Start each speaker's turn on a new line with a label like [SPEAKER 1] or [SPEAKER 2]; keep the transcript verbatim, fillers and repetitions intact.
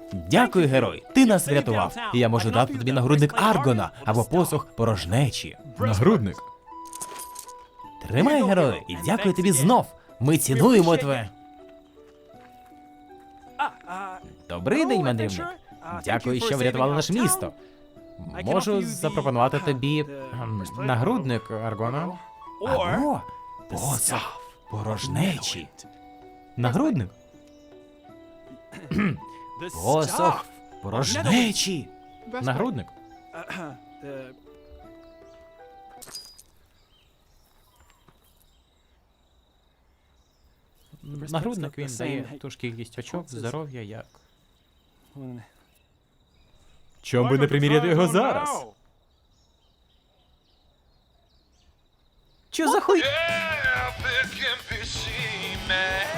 [SPEAKER 1] Дякую, герой. Ти нас врятував. І я можу дати тобі нагрудник Аргона або посох порожнечі.
[SPEAKER 2] Нагрудник.
[SPEAKER 1] Тримай, герой, і дякую тобі знов. Ми цінуємо тебе. Добрий день, мандрівник. Дякую, що врятували наше місто. Можу запропонувати тобі ем, нагрудник Аргона. Або посох порожнечі. Нагрудник? Посох порожнечі. Нагрудник. Нагрудник він дає ту ж кількість очок, здоров'я, як.
[SPEAKER 2] Чом би не приміряти його зараз?
[SPEAKER 1] Що за хуй?
[SPEAKER 3] Yeah, big and fishy, man.